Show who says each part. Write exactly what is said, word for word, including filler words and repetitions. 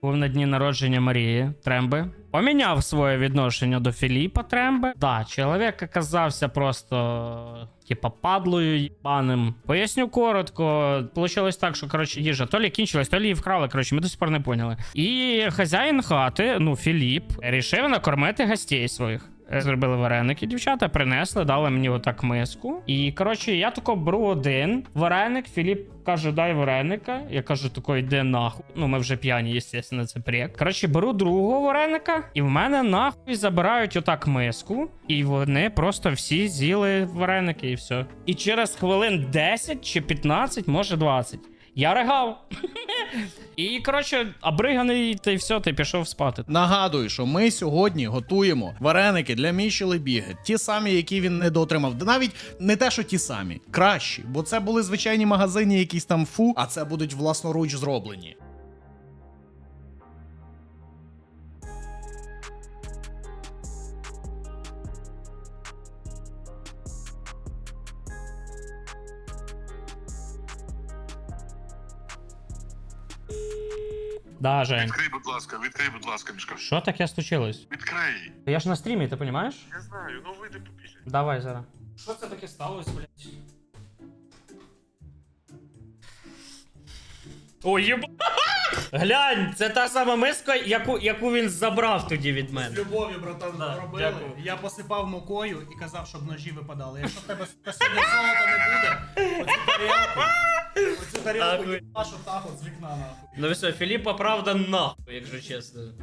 Speaker 1: Був на дні народження Марії Тремби. Поміняв своє відношення до Філіпа Тремби. Да, чоловік оказався просто, типа, падлою їбаним. Поясню коротко. Получилось так, що, коротше, їжа то лі кінчилась, то лі її вкрали, коротше, ми до сих пор не поняли. І хазяїн хати, ну, Філіп, рішив накормити гостей своїх. Зробили вареники, дівчата, принесли, дали мені отак миску. І, коротше, я тако беру один вареник, Філіп каже, дай вареника. Я кажу, тако, йди нахуй. Ну, ми вже п'яні, естественно, це прик. Коротше, беру другого вареника, і в мене нахуй забирають отак миску. І вони просто всі з'їли вареники, і все. І через хвилин десять чи п'ятнадцять, може двадцять. Я ригав. І, коротше, обриганий, та й все, ти пішов спати.
Speaker 2: Нагадую, що ми сьогодні готуємо вареники для Міші Лебіги. Ті самі, які він недоотримав. Навіть не те, що ті самі. Кращі. Бо це були звичайні магазині, якісь там фу, а це будуть власноруч зроблені.
Speaker 1: Да, Жень.
Speaker 3: Відкрий, будь ласка, відкрий, будь ласка, Мішка.
Speaker 1: Що таке случилось?
Speaker 3: Відкрий.
Speaker 1: Я ж на стрімі, ти розумієш?
Speaker 3: Я знаю, ну вийди попісля.
Speaker 1: Давай зараз. Що це таке сталося, блядь? Ой, єба! Глянь, це та сама миска, яку, яку він забрав тоді від мене.
Speaker 2: З любов'ю, братан,
Speaker 1: Да,
Speaker 2: робили.
Speaker 1: дякую.
Speaker 2: Я посипав мукою і казав, щоб ножі випадали. Якщо в тебе сьогодні золота не буде, оцю тарілку, оцю тарілку
Speaker 1: Нахуй.
Speaker 2: їбашу так от з вікна, нахуй.
Speaker 1: Ну все, Філіпа, правда, нахуй, якщо чесно.